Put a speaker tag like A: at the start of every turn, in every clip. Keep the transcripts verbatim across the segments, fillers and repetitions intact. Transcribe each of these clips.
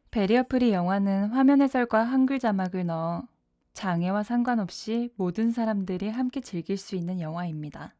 A: 베리어 프리 영화는 화면 해설과 한글 자막을 넣어 장애와 상관없이 모든 사람들이 함께 즐길 수 있는 영화입니다.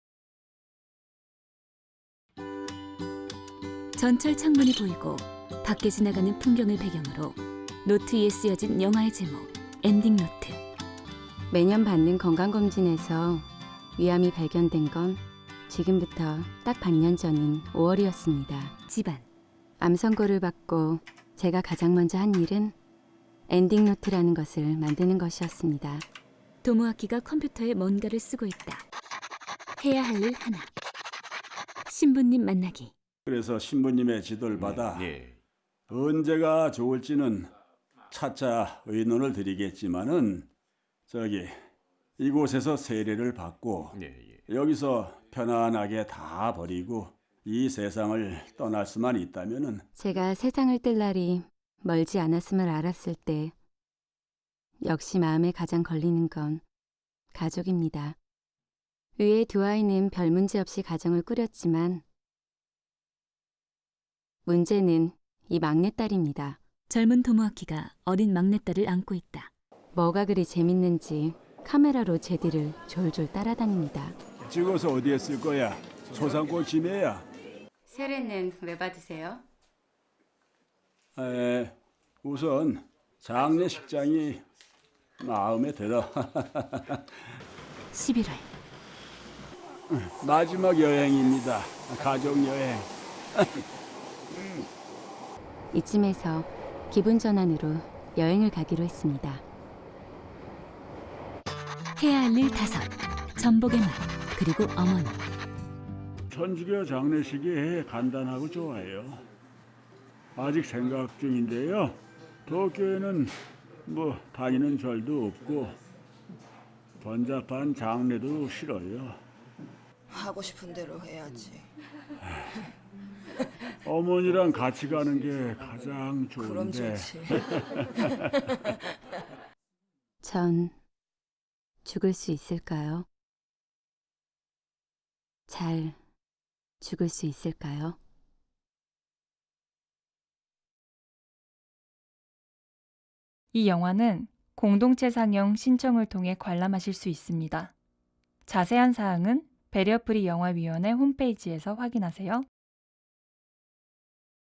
B: 전철 창문이 보이고 밖에 지나가는 풍경을 배경으로 노트 위에 쓰여진 영화의 제목 엔딩 노트.
C: 매년 받는 건강검진에서 위암이 발견된 건 지금부터 딱 반년 전인 오월이었습니다.
B: 집안.
C: 암 선고를 받고 제가 가장 먼저 한 일은 엔딩 노트라는 것을 만드는 것이었습니다.
B: 도모아키가 컴퓨터에 뭔가를 쓰고 있다. 해야 할 일 하나. 신부님 만나기.
D: 그래서 신부님의 지도를 받아
E: 예.
D: 언제가 좋을지는 차차 의논을 드리겠지만은 저기 이곳에서 세례를 받고
E: 예, 예.
D: 여기서 편안하게 다 버리고 이 세상을 떠날 수만 있다면은
C: 제가 세상을 뜰 날이 멀지 않았음을 알았을 때 역시 마음에 가장 걸리는 건 가족입니다. 위에 두 아이는 별 문제 없이 가정을 꾸렸지만 문제는 이 막내딸입니다.
B: 젊은 도모아키가 어린 막내딸을 안고 있다.
C: 뭐가 그리 재밌는지 카메라로 제 뒤를 졸졸 따라다닙니다.
D: 찍어서 어디에 쓸 거야? 소상꽃 지내야.
C: 세례는 왜 받으세요?
D: 에, 우선 장례식장이 마음에 들어.
B: 십일월.
D: 마지막 여행입니다. 가족 여행.
C: 이쯤에서 기분 전환으로 여행을 가기로 했습니다.
B: 해야 할 일 다섯. 전복의 맛. 그리고 어머니.
D: 천주교 장례식이 간단하고 좋아요. 아직 생각 중인데요. 도쿄에는 뭐 다니는 절도 없고 번잡한 장례도 싫어요.
F: 하고 싶은 대로 해야지.
D: 어머니랑 같이 가는 게 가장
F: 그럼
D: 좋은데.
F: 좋지.
C: 전 죽을 수 있을까요? 잘 죽을 수 있을까요?
A: 이 영화는 공동체 상영 신청을 통해 관람하실 수 있습니다. 자세한 사항은 베리어 프리 영화위원회 홈페이지에서 확인하세요.